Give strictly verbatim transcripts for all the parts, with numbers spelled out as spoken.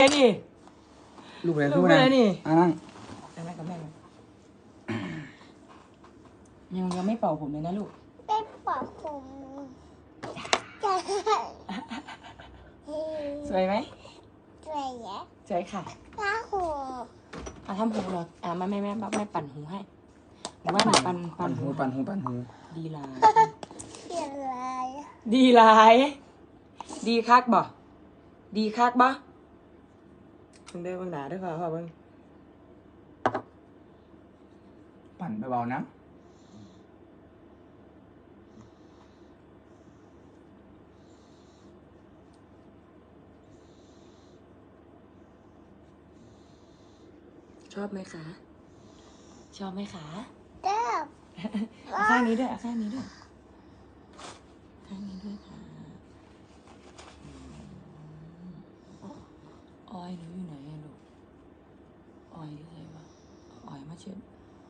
นี่ลูกอะไรลูกอะไรนี่อ่ะนั่งนั่งกับแม่เลยยังยังไม่เป่าผมเลยนะลูกได้ปอกผมจะสวยไหมสวยแยะสวยค่ะตาหูอ่ะทำหูเหรออ่ะแม่แม่แม่แม่ปั่นหูให้หรือว่าหนูปั่นปั่ปั่นนหูหูปั่นหูปั่นหูดีหลายเขียนลายดีหลาย ดีคักบ่ดีคักบ่เพิ่งได้เบิ่งหนาด้วยค่ะพ่อเบิ่งปั่นเบาๆนะชอบไหมคะ ชอบไหมคะเด้อเอาข้างนี้ด้วยเอาข้างนี้ด้วยข้างนี้ด้วยค่ะออยหนูอยู่ไหนอะลูกออยอยู่ไหนวะออยมาเช็ด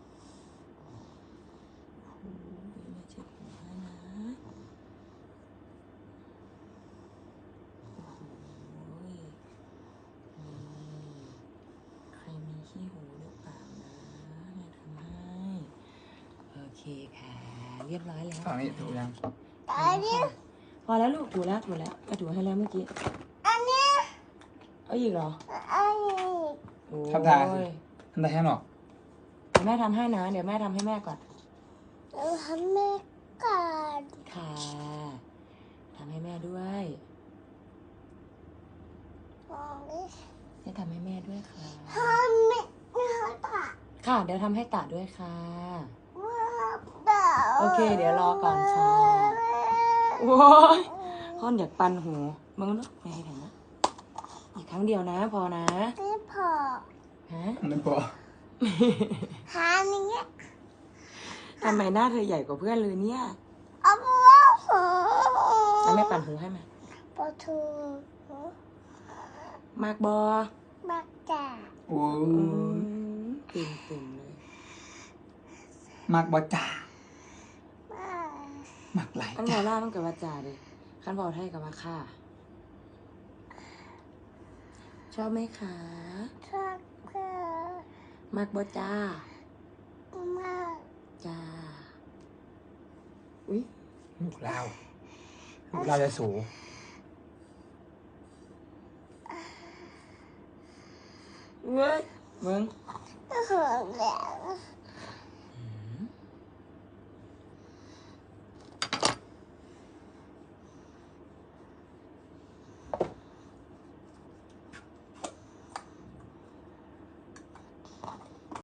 โอ้ยมาเช็ดหัวให้นะโอ้โหนี่ใครมีขี้หูหรือเปล่านะแม่ทำให้โอเคค่ะเรียบร้อยแล้วฝั่งนี้ถูกยังอันนี้พอแล้วลูกถูแล้วถูแล้วก็ถูให้แล้วเมื่อกี้อันนี้เอาอีกเหรออันนี้โอ้ยทำทาสิทำทาให้หนอกเดี๋ยวแม่ทำให้นะ เดี๋ยวแม่ทำให้แม่ก่อนเราทำแม่ก่อนค่ะทำให้แม่ด้วยมองดิจะทำให้แม่ด้วยค่ะทำไม่ไม่ตาค่ะ เดี๋ยวทำให้ตาด้วยค่ะว่าเดาโอเคเดี๋ยวรอก่อนค่ะ โอ้ยพ่อนอยากปันหูมึงลูกไม่ให้ทำนะอีกครั้งเดียวนะ พอนะไม่พอฮะไม่พอหานี้ทำไมหน้าเธอใหญ่กว่าเพื่อนเลยเนี่ยเอาว่าหูแล้วแม่ปั่นหูให้ไหมปะทูมากบอบักจ่าโอ้อืมตื่นตื่นเลยมักบอจ่ามามักไหลอันจ่าบอล่ามันกับว่าจ่าเลยขันบอไทยกับว่าค่ะ ชอบไหมคะชักเกอร์มากบอจ้ามาจ้า อุ้ยลูกเราลูกเราจะสูเว้ยมึงก็เหอะแล้ว